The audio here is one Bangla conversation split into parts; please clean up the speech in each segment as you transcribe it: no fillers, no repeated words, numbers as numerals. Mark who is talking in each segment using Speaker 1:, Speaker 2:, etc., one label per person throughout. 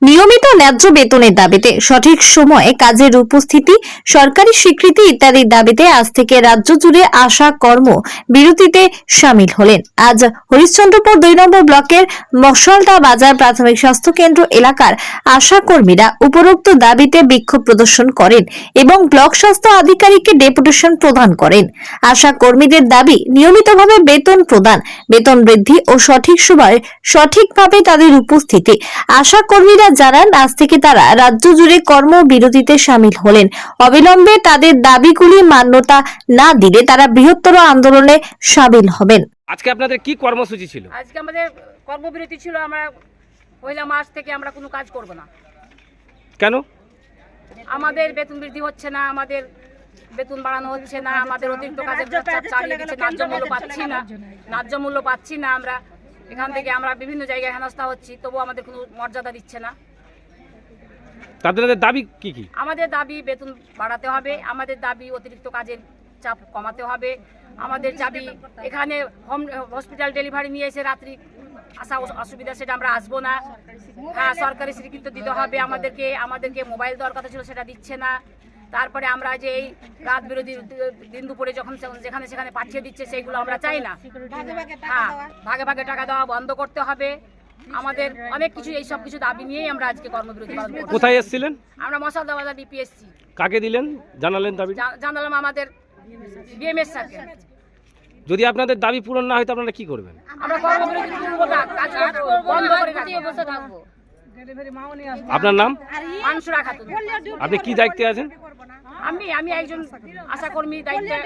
Speaker 1: নিয়মিত ন্যায্য বেতনের দাবিতে সঠিক সময়ে কাজের উপস্থিতি, সরকারি স্বীকৃতি ইত্যাদির দাবিতে আজ থেকে রাজ্য জুড়ে আশা কর্ম বিরতিতে সামিল হলেন। আজ হরিশ্চন্দ্রপুর 2 নম্বর ব্লকের মশলদা বাজার প্রাথমিক স্বাস্থ্য কেন্দ্র এলাকার আশা কর্মীরা উপরোক্ত দাবিতে বিক্ষোভ প্রদর্শন করেন এবং ব্লক স্বাস্থ্য আধিকারিককে ডেপুটেশন প্রদান করেন। আশা কর্মীদের দাবি নিয়মিতভাবে বেতন প্রদান, বেতন বৃদ্ধি ও সঠিক সময়ে সঠিকভাবে তাদের উপস্থিতি। আশা কর্মীরা জানান আজ থেকে তারা রাজ্য জুড়ে কর্মবিরতিতে সামিল হলেন। অবিলম্বে তাদের দাবিগুলি মান্যতা না দিলে তারা বৃহত্তর আন্দোলনে সামিল হবেন।
Speaker 2: আজকে আপনাদের কি কর্মসূচি ছিল?
Speaker 3: আজকে আমাদের কর্মবিরতি ছিল। আমরা পয়লা মাস থেকে আমরা কোনো কাজ করব না।
Speaker 2: কেন?
Speaker 3: আমাদের বেতন বৃদ্ধি হচ্ছে না, আমাদের বেতন বাড়ানো হচ্ছে না, আমাদের অতিরিক্ত কাজের চাপ চালিয়ে দিচ্ছে, ন্যায্য মূল্য পাচ্ছি না। আমরা এখান থেকে আমরা বিভিন্ন জায়গায় হেনস্থা হচ্ছি, তবু আমাদের কোনো মর্যাদা দিচ্ছে না।
Speaker 2: তাদের দাবি কি কি?
Speaker 3: আমাদের দাবি বেতন বাড়াতে হবে, আমাদের দাবি অতিরিক্ত কাজের চাপ কমাতে হবে, আমাদের দাবি এখানে হসপিটাল ডেলিভারি নিয়ে এসে রাত্রি আসা অসুবিধা, সেটা আমরা আসবো না। হ্যাঁ, সরকারি স্বীকৃতি দিতে হবে আমাদেরকে মোবাইল দেওয়ার কথা ছিল, সেটা দিচ্ছে না। তারপরে আমরা যে এই রাত বিরোধী দিন দুপুরে যখন যেখানে সেখানে পাঠিয়ে দিচ্ছে, সেইগুলো আমরা চাই না। হ্যাঁ, ভাগে ভাগে টাকা দেওয়া বন্ধ করতে হবে। আমাদের অনেক কিছু, এই সব কিছু দাবি নিয়েই আমরা আজকে কর্মবিরতি পালন করছি।
Speaker 2: কোথায় এসেছিলেন?
Speaker 3: আমরা মশলদা বাজার ডিপিএসসি।
Speaker 2: কাকে দিলেন? জানালেন দাবি?
Speaker 3: জানালাম আমাদের বিএমএস স্যারকে।
Speaker 2: যদি আপনাদের দাবি পূরণ না হয় তো আপনারা কি করবেন?
Speaker 3: আমরা কর্মবিরতি করব না, কাজ বন্ধ করে বসে থাকবো।
Speaker 2: আপনার নাম?
Speaker 3: মানসুরা খাতুন।
Speaker 2: আপনি কি দায়িত্বে আছেন?
Speaker 3: আমি একজন আশাকর্মী দায়িত্বে।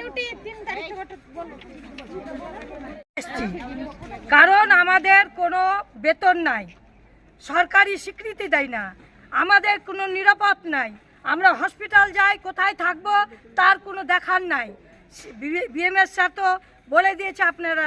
Speaker 4: কারণ আমাদের কোনো বেতন নাই, সরকারি স্বীকৃতি দেয় না, আমাদের কোনো নিরাপদ নাই। আমরা হসপিটাল যাই, কোথায় থাকবো তার কোনো দেখার নাই। বিএমএস স্যার তো বলে দিয়েছে আপনারা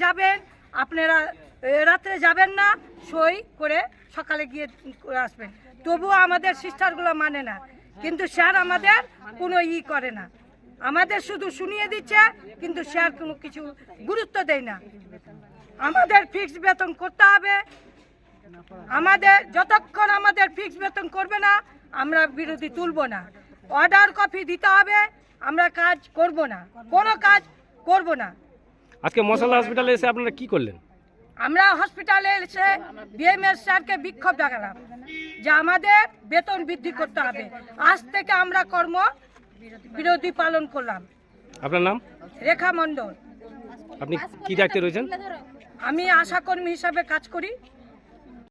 Speaker 4: রাত্রে যাবেন না, সই করে সকালে গিয়ে আসবেন। তবুও আমাদের সিস্টারগুলো মানে না, কিন্তু স্যার আমাদের কোনো করে না, আমাদের শুধু শুনিয়ে দিচ্ছে, কিন্তু স্যার কোনো কিছু গুরুত্ব দেয় না। আমাদের ফিক্সড বেতন করতে হবে, আমাদের যতক্ষণ আমাদের ফিক্সড বেতন করবে না আমরা বিরতি তুলব না। অর্ডার কপি দিতে হবে, আমরা কাজ করব না, কোনো কাজ করব না।
Speaker 2: আজকে মশলা হসপিটালে এসে আপনারা কি করলেন?
Speaker 4: আমরা হসপিটালে এসে বিএমএস স্যারকে বিক্ষোভ দেখালাম যে আমাদের বেতন বৃদ্ধি করতে হবে। আজ থেকে আমরা বিরতি পালন করলাম।
Speaker 2: আপনার নাম?
Speaker 4: রেখা মণ্ডল।
Speaker 2: আপনি কি দায়িত্বে রয়েছেন?
Speaker 4: আমি আশাকর্মী হিসাবে কাজ করি।